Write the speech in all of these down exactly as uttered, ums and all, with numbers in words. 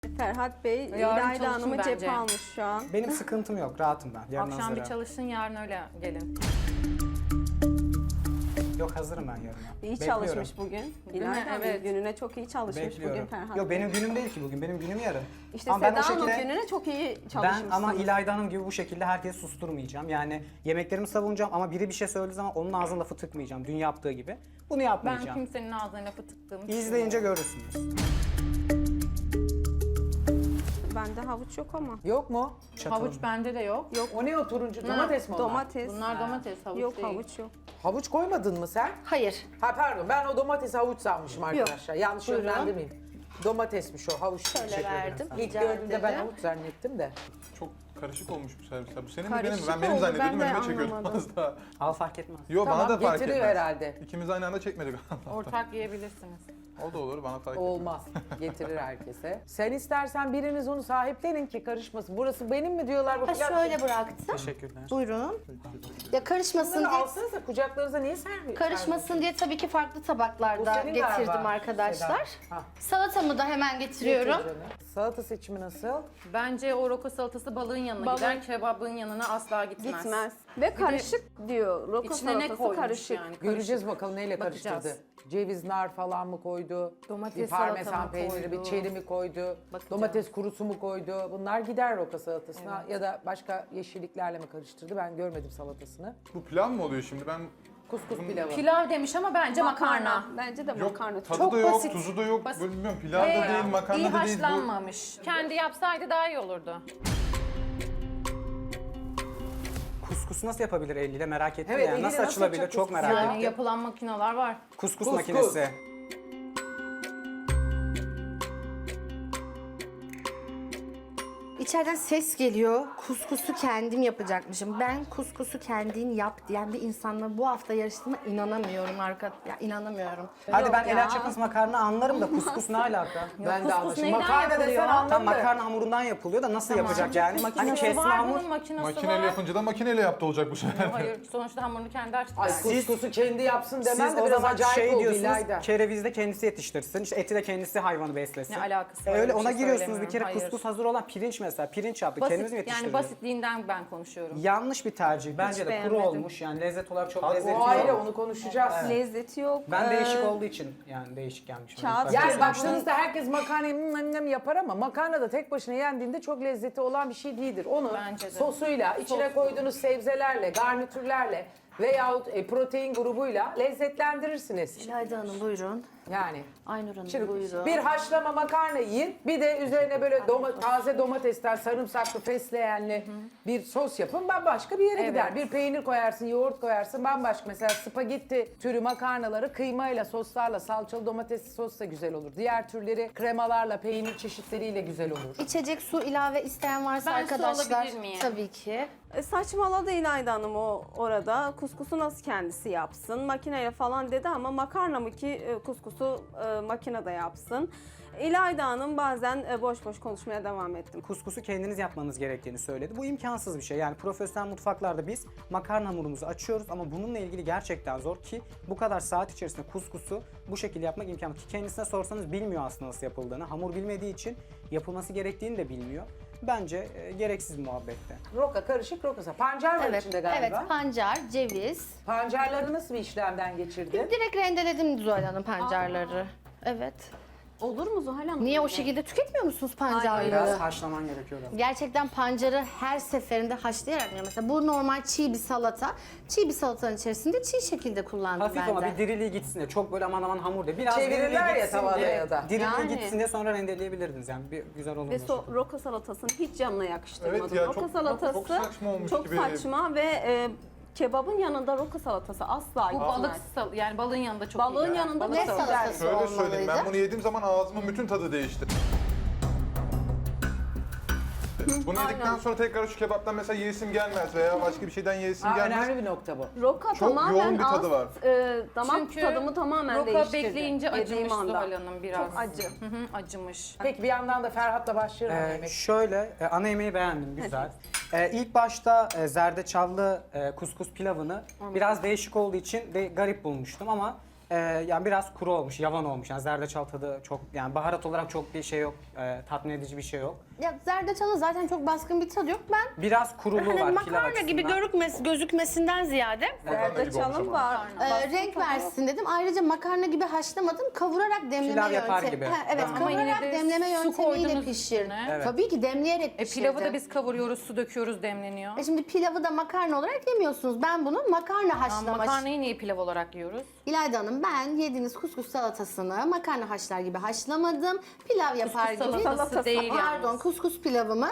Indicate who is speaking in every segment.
Speaker 1: Ferhat Bey,
Speaker 2: Yarın
Speaker 1: İlayda
Speaker 2: çalışın
Speaker 1: Hanım'ı
Speaker 2: bence.
Speaker 1: cephe almış şu an.
Speaker 3: Benim sıkıntım yok, rahatım ben. Yarın
Speaker 2: Akşam bir
Speaker 3: hazırım.
Speaker 2: çalışın, yarın öyle gelin.
Speaker 3: Yok, hazırım ben yarın.
Speaker 1: İyi
Speaker 3: Bekliyorum.
Speaker 1: çalışmış bugün. İlayda Hanım
Speaker 2: Evet.
Speaker 1: gününe çok iyi çalışmış
Speaker 3: Bekliyorum.
Speaker 1: bugün Ferhat
Speaker 3: Yok,
Speaker 1: Bey.
Speaker 3: benim günüm değil ki bugün, benim günüm yarın.
Speaker 1: İşte
Speaker 3: Ama ben
Speaker 1: Seda
Speaker 3: o
Speaker 1: Hanım
Speaker 3: şekilde-
Speaker 1: gününe çok iyi
Speaker 3: Ben
Speaker 1: çalışmışsınız.
Speaker 3: ama İlayda Hanım gibi bu şekilde herkesi susturmayacağım. Yani yemeklerimi savunacağım ama biri bir şey söylediği zaman onun ağzına lafı tıkmayacağım. Dün yaptığı gibi. Bunu
Speaker 2: Ben
Speaker 3: yapmayacağım.
Speaker 2: kimsenin ağzına lafı tıktığımı
Speaker 3: İzleyince görürsünüz.
Speaker 1: Bende havuç yok ama.
Speaker 4: Yok mu?
Speaker 3: Çatalım.
Speaker 2: Havuç bende de yok.
Speaker 1: Yok.
Speaker 4: O ne o turuncu? Domates mi onlar?
Speaker 1: Domates.
Speaker 2: Bunlar domates, havuç
Speaker 1: Yok
Speaker 2: değil.
Speaker 1: havuç yok.
Speaker 4: Havuç koymadın mı sen?
Speaker 5: Hayır.
Speaker 4: Ha pardon, ben o domates havuç sanmışım arkadaşlar. Yanlış
Speaker 5: Buyurun.
Speaker 4: yönlendirmeyeyim. Domatesmiş o, havuç.
Speaker 5: Şöyle
Speaker 4: Teşekkür ederim
Speaker 5: verdim.
Speaker 4: sana. İlk
Speaker 5: Rica
Speaker 4: gördüğümde ben
Speaker 5: ederim.
Speaker 4: havuç zannettim de.
Speaker 6: Çok karışık olmuş bu servisler. Bu senin mi benim mi?
Speaker 1: Karışık
Speaker 6: Ben benim
Speaker 1: oldu,
Speaker 6: zannediyordum,
Speaker 1: ben de
Speaker 6: önüme çekiyordum
Speaker 1: anlamadım.
Speaker 6: az daha.
Speaker 3: Al, fark etmez.
Speaker 6: Yo,
Speaker 4: Tamam,
Speaker 6: bana da fark
Speaker 4: getiriyor
Speaker 6: etmez.
Speaker 4: herhalde.
Speaker 6: İkimiz aynı anda çekmedik.
Speaker 2: Ortak yiyebilirsiniz.
Speaker 6: O da olur, bana fark etmez.
Speaker 4: Olmaz. Getirir herkese. Sen istersen biriniz onu sahiplenin ki karışmasın. Burası benim mi diyorlar bu
Speaker 5: Ha
Speaker 4: pilav?
Speaker 5: şöyle bıraktım.
Speaker 3: Teşekkürler.
Speaker 5: Buyurun. Ya karışmasın
Speaker 4: Bunları
Speaker 5: diye,
Speaker 4: alsanıza kucaklarınıza niye servis?
Speaker 5: karışmasın diye tabii ki farklı
Speaker 4: Bu
Speaker 5: tabaklarda
Speaker 4: senin
Speaker 5: getirdim
Speaker 4: galiba,
Speaker 5: arkadaşlar.
Speaker 4: Seda. Ha,
Speaker 5: Salatamı da hemen getiriyorum.
Speaker 4: getir canım. Salata seçimi nasıl?
Speaker 2: Bence o roka salatası balığın yanına
Speaker 1: Balığın-
Speaker 2: gider, kebabın yanına asla gitmez.
Speaker 1: Gitmez. Ve karışık diyor. Roka
Speaker 2: İçine ne
Speaker 1: salatası
Speaker 2: koymuş
Speaker 1: karışık.
Speaker 2: yani?
Speaker 4: Göreceğiz bakalım neyle
Speaker 2: Bakacağız.
Speaker 4: karıştırdı. Ceviz, nar falan mı koydu?
Speaker 2: Domates
Speaker 4: bir
Speaker 2: salata
Speaker 4: parmesan
Speaker 2: mı
Speaker 4: peyniri,
Speaker 2: koydu?
Speaker 4: bir çeri mi koydu?
Speaker 2: Bakacağız.
Speaker 4: Domates kurusu mu koydu? Bunlar gider roka salatasına ya da başka yeşilliklerle mi karıştırdı? Ben görmedim salatasını.
Speaker 6: Bu pilav mı oluyor şimdi? Ben
Speaker 4: Kuskus pilavı.
Speaker 2: Pilav demiş ama bence makarna.
Speaker 1: Bence de
Speaker 6: yok,
Speaker 1: makarna.
Speaker 6: tadı
Speaker 2: Çok
Speaker 6: da yok,
Speaker 2: basit.
Speaker 6: tuzu da yok.
Speaker 2: Basit.
Speaker 6: Böyle bilmiyorum, pilav da
Speaker 2: Ve
Speaker 6: değil, makarna
Speaker 2: iyi
Speaker 6: da değil. Bu
Speaker 2: haşlanmamış. Kendi yapsaydı daha iyi olurdu.
Speaker 3: Kuskus nasıl yapabilir eliyle, merak ettim
Speaker 4: Evet,
Speaker 3: yani.
Speaker 4: eliyle
Speaker 3: Nasıl
Speaker 4: nasıl
Speaker 3: açılabilir,
Speaker 4: yapacak
Speaker 3: çok
Speaker 4: kuskus?
Speaker 3: merak
Speaker 2: Yani
Speaker 3: ettim.
Speaker 2: yapılan makineler var.
Speaker 3: Kuskus,
Speaker 4: Kuskus.
Speaker 3: makinesi.
Speaker 5: İçeriden ses geliyor. Kuskusu kendim yapacakmışım. Ben kuskusu kendin yap diyen bir insanla bu hafta yarıştığıma inanamıyorum arka. Ya inanamıyorum.
Speaker 3: Hadi ben
Speaker 5: Yok ya.
Speaker 3: el açıklısı makarna anlarım da kuskus ne alaka?
Speaker 4: Ben de
Speaker 2: kuskus
Speaker 4: anlaşıldım.
Speaker 2: neyden
Speaker 4: Makarna
Speaker 2: yapılıyor?
Speaker 4: desen
Speaker 3: Tam
Speaker 4: anladım.
Speaker 3: makarna hamurundan yapılıyor da nasıl yapacak yani? Hani
Speaker 2: Makinesi
Speaker 3: kesme
Speaker 2: var,
Speaker 3: hamur.
Speaker 2: bunun makinesi
Speaker 6: makineyle
Speaker 2: var.
Speaker 6: yapınca da makineyle yaptı olacak bu sefer.
Speaker 2: Hayır, sonuçta hamurunu kendi açtı.
Speaker 4: Ay
Speaker 2: yani.
Speaker 4: kuskusu kendi yapsın demen
Speaker 3: Siz
Speaker 4: de
Speaker 3: o
Speaker 4: biraz
Speaker 3: zaman
Speaker 4: acayip
Speaker 3: şey
Speaker 4: oldu
Speaker 3: diyorsunuz,
Speaker 4: İlayda.
Speaker 3: kerevizi de kendisi yetiştirsin, işte eti de kendisi hayvanı beslesin.
Speaker 2: Ne alakası
Speaker 3: E
Speaker 2: var,
Speaker 3: öyle
Speaker 2: öyle bir
Speaker 3: ona
Speaker 2: şey
Speaker 3: giriyorsunuz bir kere
Speaker 2: söylemiyorum,
Speaker 3: kuskus
Speaker 2: hayır.
Speaker 3: hazır olan pirinç mesela, pirinç yaptık,
Speaker 2: Basit,
Speaker 3: kendimiz mi yetiştirdik?
Speaker 2: yani basitliğinden ben konuşuyorum.
Speaker 3: Yanlış bir tercih. Bence de kuru
Speaker 1: beğenmedim.
Speaker 3: olmuş yani lezzet olarak çok
Speaker 6: Haklı.
Speaker 3: lezzetli
Speaker 4: O ayrı,
Speaker 3: yok.
Speaker 4: onu konuşacağız.
Speaker 1: Lezzeti yok.
Speaker 3: Ben
Speaker 1: Ee,
Speaker 3: değişik olduğu için yani değişik gelmiş.
Speaker 1: Kağıt-
Speaker 4: Yani
Speaker 1: Kesinlikle.
Speaker 4: baktığınızda herkes makarnayı mm, mm yapar ama makarna da tek başına yendiğinde çok lezzeti olan bir şey değildir. Onu
Speaker 2: Bence de.
Speaker 4: sosuyla, içine koyduğunuz sebzelerle, garnitürlerle veyahut e, protein grubuyla lezzetlendirirsiniz.
Speaker 5: İlayda Hanım buyurun.
Speaker 4: Yani
Speaker 5: Aynur Hanım
Speaker 4: şimdi
Speaker 5: buyurun.
Speaker 4: bir haşlama makarna yiyin, bir de üzerine böyle doma- taze domatesten sarımsaklı, fesleğenli bir sos yapın, bambaşka bir yere
Speaker 2: Evet.
Speaker 4: gider. Bir peynir koyarsın, yoğurt koyarsın, bambaşka. Mesela spagetti türü makarnaları kıymayla, soslarla, salçalı domatesli sos da güzel olur. Diğer türleri kremalarla, peynir çeşitleriyle güzel olur.
Speaker 5: İçecek su ilave isteyen varsa
Speaker 2: Ben su
Speaker 5: arkadaşlar
Speaker 2: alabilir miyim?
Speaker 5: tabii ki.
Speaker 1: E, saçmaladı İlayda Hanım o orada. Kuskusu nasıl kendisi yapsın? Makineyle falan dedi ama makarna mı ki e, kuskusu e, makinede yapsın? İlayda Hanım bazen e, boş boş konuşmaya devam ettim.
Speaker 3: Kuskusu kendiniz yapmanız gerektiğini söyledi. Bu imkansız bir şey. Yani profesyonel mutfaklarda biz makarna hamurumuzu açıyoruz ama bununla ilgili gerçekten zor ki bu kadar saat içerisinde kuskusu bu şekilde yapmak imkansız. Ki kendisine sorsanız bilmiyor aslında nasıl yapıldığını. Hamur bilmediği için yapılması gerektiğini de bilmiyor. Bence e, gereksiz muhabbette.
Speaker 4: Roka karışık rokasa. Pancar var
Speaker 5: Evet,
Speaker 4: içinde galiba.
Speaker 5: evet pancar, ceviz.
Speaker 4: Pancarları nasıl bir işlemden geçirdin?
Speaker 5: Direkt rendeledim Zuhal Hanım pancarları. Evet.
Speaker 1: Olur mu Zuhal Hanım?
Speaker 5: Niye o şekilde tüketmiyor musunuz pancarları?
Speaker 3: Biraz haşlaman gerekiyor. biraz.
Speaker 5: Gerçekten pancarı her seferinde haşlayarak yapıyorum. Mesela bu normal çiğ bir salata. Çiğ bir salatanın içerisinde çiğ şekilde kullandım
Speaker 3: Hafif
Speaker 5: ben
Speaker 3: ama
Speaker 5: de.
Speaker 3: bir diriliği gitsin diye. Çok böyle aman aman hamur değil. Biraz
Speaker 4: Çevirirler
Speaker 3: diriliği
Speaker 4: ya
Speaker 3: gitsin
Speaker 4: tavada
Speaker 3: diye.
Speaker 4: ya da.
Speaker 3: Diriliği
Speaker 1: Yani.
Speaker 3: gitsin diye sonra rendeleyebilirdiniz yani. Bir güzel olur.
Speaker 1: Ve so roka salatasını hiç canına yakıştırmadım.
Speaker 6: Evet ya,
Speaker 1: roka
Speaker 6: çok-
Speaker 1: salatası
Speaker 6: çok saçma olmuş
Speaker 1: çok
Speaker 6: gibi.
Speaker 1: saçma ve e, kebabın yanında roka salatası asla
Speaker 2: Bu
Speaker 1: gitmez.
Speaker 2: balık sal yani balığın yanında çok
Speaker 1: Balığın
Speaker 2: iyi.
Speaker 1: yanında
Speaker 2: Balık
Speaker 5: ne
Speaker 2: salatası.
Speaker 5: salatası
Speaker 6: Şöyle söyleyeyim,
Speaker 5: olmalıydı?
Speaker 6: ben bunu yediğim zaman ağzımın bütün tadı değişti. Bunu yedikten sonra tekrar şu kebaptan mesela yiyesim gelmez veya başka bir şeyden yiyesim
Speaker 4: Aa,
Speaker 6: gelmez.
Speaker 4: önemli bir nokta bu.
Speaker 1: Roka
Speaker 6: Çok
Speaker 1: tamamen
Speaker 6: yoğun bir tadı
Speaker 1: az,
Speaker 6: var.
Speaker 1: e, damak
Speaker 2: Çünkü
Speaker 1: tadımı tamamen
Speaker 2: roka
Speaker 1: değiştirdi.
Speaker 2: bekleyince
Speaker 1: yediğim
Speaker 2: acımış
Speaker 1: anda.
Speaker 2: Zuhal Hanım biraz.
Speaker 1: Çok acı.
Speaker 2: Hı hı, acımış.
Speaker 4: Peki bir yandan da Ferhat'la başlayalım.
Speaker 3: Ee,
Speaker 4: yemek.
Speaker 3: şöyle, e, ana yemeği beğendim, güzel. Ee, ilk başta e, zerdeçallı e, kuskus pilavını biraz değişik olduğu için de garip bulmuştum ama Ee, yani biraz kuru olmuş, yavan olmuş. Yani zerdeçal tadı çok, yani baharat olarak çok bir şey yok, e, tatmin edici bir şey yok.
Speaker 5: Ya zerdeçalın zaten çok baskın bir tadı yok. Ben
Speaker 3: Biraz kuruluğu
Speaker 5: hani
Speaker 3: var pilav
Speaker 5: makarna
Speaker 3: açısından.
Speaker 5: gibi görükmesi, gözükmesinden ziyade
Speaker 6: Makarna gibi olmuş
Speaker 1: Zerdeçalım
Speaker 6: ama.
Speaker 1: var.
Speaker 5: e,
Speaker 1: Baskın
Speaker 5: renk
Speaker 1: tadı yok.
Speaker 5: versin dedim. Ayrıca makarna gibi haşlamadım. Kavurarak demleme
Speaker 3: Pilav yapar
Speaker 5: yöntemi.
Speaker 3: gibi.
Speaker 5: Ha, evet,
Speaker 3: Ama
Speaker 2: yine
Speaker 5: kavurarak
Speaker 2: de
Speaker 5: demleme
Speaker 2: su
Speaker 5: yöntemiyle
Speaker 2: koydunuz
Speaker 5: pişirdim.
Speaker 2: üstüne.
Speaker 3: Evet.
Speaker 5: Tabii ki demleyerek
Speaker 2: E
Speaker 5: pişirdim.
Speaker 2: pilavı da biz kavuruyoruz, su döküyoruz, demleniyor.
Speaker 5: E şimdi pilavı da makarna olarak yemiyorsunuz. Ben bunu makarna
Speaker 2: Tamam,
Speaker 5: haşlama.
Speaker 2: makarnayı niye pilav olarak yiyoruz?
Speaker 5: İlayda Hanım, ben yediğiniz kuskus salatasını makarna haşlar gibi haşlamadım. Pilav yapar
Speaker 2: Kuskus
Speaker 5: gibi.
Speaker 2: salatası değil
Speaker 5: Pardon,
Speaker 2: yalnız.
Speaker 5: kuskus pilavımı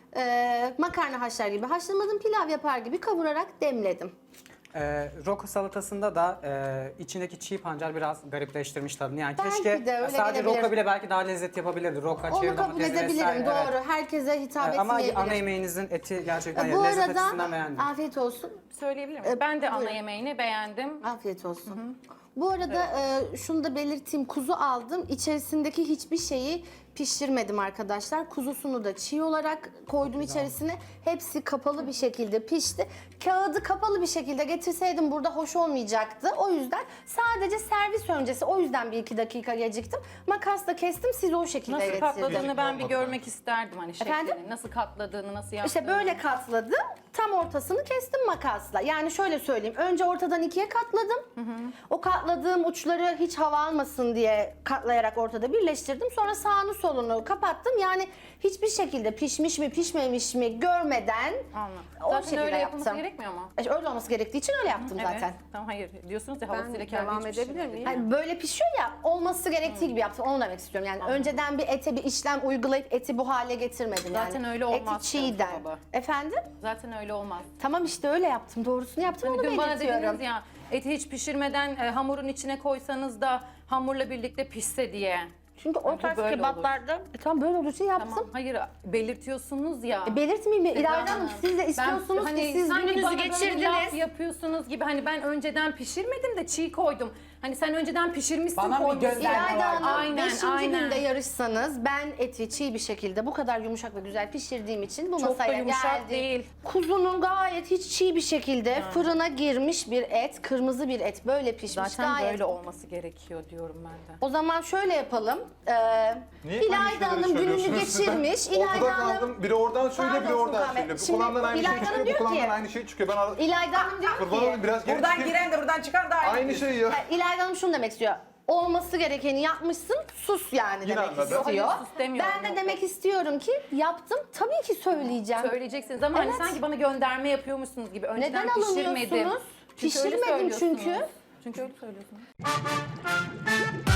Speaker 5: e, makarna haşlar gibi haşlamadım. Pilav yapar gibi kavurarak demledim.
Speaker 3: Ee, Roko salatasında da e, içindeki çiğ pancar biraz garipleştirmiş tadını. Yani
Speaker 5: Belki
Speaker 3: keşke
Speaker 5: de öyle
Speaker 3: sadece
Speaker 5: gelebilir.
Speaker 3: Roko bile belki daha lezzet yapabilirdi. Roka,
Speaker 5: Onu
Speaker 3: çeri
Speaker 5: kabul
Speaker 3: domatesi
Speaker 5: edebilirim,
Speaker 3: vesaire.
Speaker 5: doğru.
Speaker 3: Evet.
Speaker 5: Herkese hitap
Speaker 3: Ee, Ama
Speaker 5: etmeyebilir.
Speaker 3: ana yemeğinizin eti gerçekten
Speaker 5: E,
Speaker 3: yani
Speaker 5: Bu
Speaker 3: lezzet
Speaker 5: arada
Speaker 3: açısından beğendim.
Speaker 5: afiyet olsun.
Speaker 2: Söyleyebilir miyim? Ben de ana
Speaker 5: buyurun.
Speaker 2: yemeğini beğendim.
Speaker 5: Afiyet olsun. Bu arada e, şunu da belirteyim. Kuzu aldım. İçerisindeki hiçbir şeyi pişirmedim arkadaşlar. Kuzusunu da çiğ olarak koydum içerisine. Hepsi kapalı bir şekilde pişti. Kağıdı kapalı bir şekilde getirseydim burada hoş olmayacaktı. O yüzden sadece servis öncesi, o yüzden bir iki dakika geciktim. Makasla kestim, siz o şekilde
Speaker 2: Nasıl
Speaker 5: getirdiniz.
Speaker 2: katladığını ben bir
Speaker 6: Olmadı
Speaker 2: görmek isterdim hani şeklini.
Speaker 5: Efendim?
Speaker 2: Nasıl katladığını, nasıl yaptığını.
Speaker 5: İşte böyle katladım. Tam ortasını kestim makasla. Yani şöyle söyleyeyim. Önce ortadan ikiye katladım. O katladığım uçları hiç hava almasın diye katlayarak ortada birleştirdim. Sonra sağını solunu kapattım. Yani hiçbir şekilde pişmiş mi pişmemiş mi görmeden
Speaker 2: Anladım.
Speaker 5: o
Speaker 2: Zaten
Speaker 5: şekilde
Speaker 2: öyle yapılması
Speaker 5: yaptım.
Speaker 2: gerekmiyor mu?
Speaker 5: İşte öyle olması gerektiği için öyle yaptım zaten.
Speaker 2: Evet. Tamam hayır. Diyorsunuz ya
Speaker 1: Ben
Speaker 2: havasıyla kendi
Speaker 1: devam
Speaker 2: hiç
Speaker 1: edebilir
Speaker 2: pişirmedi.
Speaker 1: miyim?
Speaker 5: Yani böyle pişiyor ya, olması gerektiği gibi yaptım. Onu demek istiyorum. Yani önceden bir ete bir işlem uygulayıp eti bu hale getirmedim.
Speaker 2: Zaten
Speaker 5: yani.
Speaker 2: öyle olmaz
Speaker 5: Eti çiğden.
Speaker 2: Cansu baba.
Speaker 5: Efendim?
Speaker 2: Zaten öyle olmaz.
Speaker 5: Tamam işte öyle yaptım. Doğrusunu yaptım.
Speaker 2: Hani
Speaker 5: Onu
Speaker 2: dün bana
Speaker 5: belirtiyorum.
Speaker 2: dediniz ya eti hiç pişirmeden e, hamurun içine koysanız da hamurla birlikte pişse diye.
Speaker 5: Çünkü o
Speaker 2: bu
Speaker 5: tarz
Speaker 2: böyle
Speaker 5: kebaplarda e, tam böyle olduğu için yaptım.
Speaker 2: Tamam hayır belirtiyorsunuz ya.
Speaker 5: E, belirtmeyeyim mi? İlayda Hanım siz de
Speaker 2: Ben-
Speaker 5: istiyorsunuz
Speaker 2: hani
Speaker 5: ki siz
Speaker 2: sanki
Speaker 5: gününüzü
Speaker 2: bana böyle bir laf
Speaker 5: geçirdiniz.
Speaker 2: yapıyorsunuz gibi hani ben önceden pişirmedim de çiğ koydum. Hani sen önceden pişirmişsin
Speaker 4: Bana bir
Speaker 2: koymuşsun.
Speaker 4: gönderme
Speaker 5: İlayda
Speaker 4: var.
Speaker 5: Hanım
Speaker 2: Aynen,
Speaker 5: beşinci
Speaker 2: aynen.
Speaker 5: günde yarışsanız ben eti çiğ bir şekilde bu kadar yumuşak ve güzel pişirdiğim için bu
Speaker 2: Çok da
Speaker 5: masaya
Speaker 2: yumuşak
Speaker 5: geldi.
Speaker 2: değil.
Speaker 5: Kuzunun gayet hiç çiğ bir şekilde fırına girmiş bir et, kırmızı bir et böyle pişmiş
Speaker 2: Zaten
Speaker 5: gayet.
Speaker 2: böyle olması gerekiyor diyorum ben de.
Speaker 5: O zaman şöyle yapalım. Ee,
Speaker 6: Niye aynı
Speaker 5: İlayda
Speaker 6: şeyleri
Speaker 5: Hanım gününü
Speaker 6: söylüyorsunuz siz de?
Speaker 5: geçirmiş. İlayda
Speaker 6: Ortada
Speaker 5: Hanım
Speaker 6: kaldım. Biri oradan söylüyor, biri
Speaker 5: Pardon
Speaker 6: oradan
Speaker 5: Furkan Bey.
Speaker 6: söylüyor. Bu
Speaker 5: Şimdi
Speaker 6: kulağımdan aynı şey
Speaker 5: İlayda Hanım
Speaker 6: çıkıyor, bu
Speaker 5: diyor
Speaker 6: kulağımdan
Speaker 5: ki-
Speaker 6: aynı şey çıkıyor. Ben ar-
Speaker 5: İlayda Hanım diyor
Speaker 6: kurban
Speaker 5: ki
Speaker 6: olayım, biraz geri
Speaker 4: Buradan
Speaker 6: çıkayım.
Speaker 4: giren de buradan çıkan da aynı.
Speaker 6: Aynı şey ya.
Speaker 5: İlayda Hanım şunu demek istiyor. Olması gerekeni yapmışsın, sus yani
Speaker 6: Yine
Speaker 5: demek
Speaker 6: anladım.
Speaker 5: istiyor.
Speaker 2: Hayır, sus demiyorum.
Speaker 5: Ben de demek istiyorum ki yaptım, tabii ki söyleyeceğim.
Speaker 2: Söyleyeceksiniz ama
Speaker 5: Evet.
Speaker 2: hani sanki bana gönderme yapıyormuşsunuz gibi. Önceden
Speaker 5: Neden
Speaker 2: pişirmedim.
Speaker 5: alınıyorsunuz?
Speaker 2: Çünkü öyle
Speaker 5: Pişirmedim çünkü.
Speaker 2: söylüyorsunuz. Çünkü öyle söylüyorsunuz.